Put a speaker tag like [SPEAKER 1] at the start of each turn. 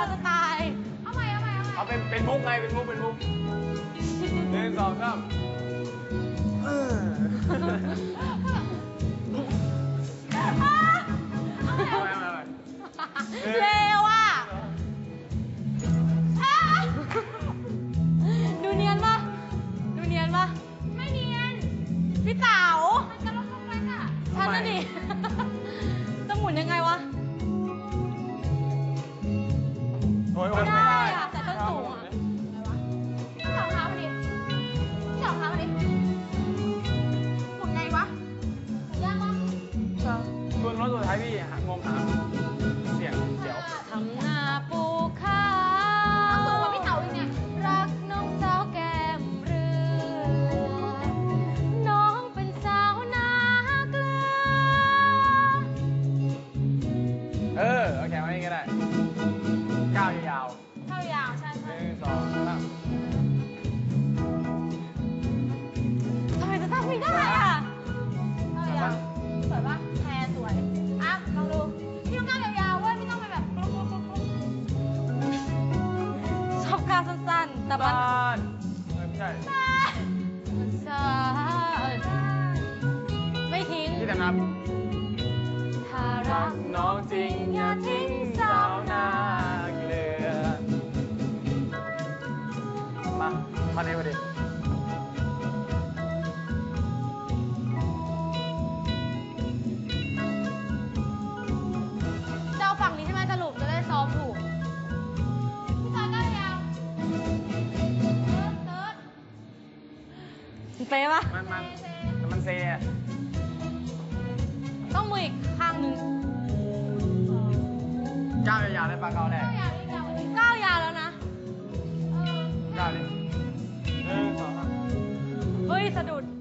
[SPEAKER 1] จะตายเอาใหม่
[SPEAKER 2] เอาเป็นมุกไงเป็นมุก1 2 3
[SPEAKER 1] เร็วอ่ะดูเนียนปะไม่เนียนพี่เต๋ามันจะลงไปอ่ะฉันน่ะดิจะหมุนยังไงวะ
[SPEAKER 2] โอ้ย
[SPEAKER 1] ไม่ได้
[SPEAKER 2] ไม่ได้
[SPEAKER 1] อะแต่ต้นสูงอะพี่สองเท้ามาดิหมุนไงวะหมุนยากปะ
[SPEAKER 2] ตัวน้อยตัวท้ายพี่งมหาเสียงเดี๋ยว
[SPEAKER 1] ทำนาปลูกข้าวต้องสูงกว่าพี่เต๋าอีกเนี่ยรักน้องสาวแก้มเรือ น้องเป็นสาวนาเกลือ
[SPEAKER 2] โอเคมาเองก็ได้ก้าวยาว
[SPEAKER 1] เท่ายาวใช่
[SPEAKER 2] 1 2 3
[SPEAKER 1] ทำไมจะทำไม่ได้อ่ะเท่ายาวสวยปะแพรสวยอ่ะลองดูพี่ต้องก้าวยาวๆเว้ยพี่ต้องไปแบบกรุ๊ปชอบก้าวสั้นๆแต่มัน
[SPEAKER 2] ไม่ใช่
[SPEAKER 1] มันช้าไม่ทิ้ง
[SPEAKER 2] ที่แต่นับ
[SPEAKER 1] ถ้ารัก
[SPEAKER 2] น้องจริงอย่าทิ้งสาวนาเกลือมาท่อนนี้มาดิ
[SPEAKER 1] เจ้าฝั่งนี้ใช่ไหมสรุปจะได้ซ้อมถูกพี่ชายก้าวยาวเติร์ดเป๊ะปะ
[SPEAKER 2] มันเซอะ
[SPEAKER 1] ต้องมืออีกข้างหนึ่ง
[SPEAKER 2] ก้าวยาวได้ปะก้าวแรก
[SPEAKER 1] ก้าวยาวแล้วนะ
[SPEAKER 2] ก้าวดิ1 2 3
[SPEAKER 1] เฮ้ยสะดุด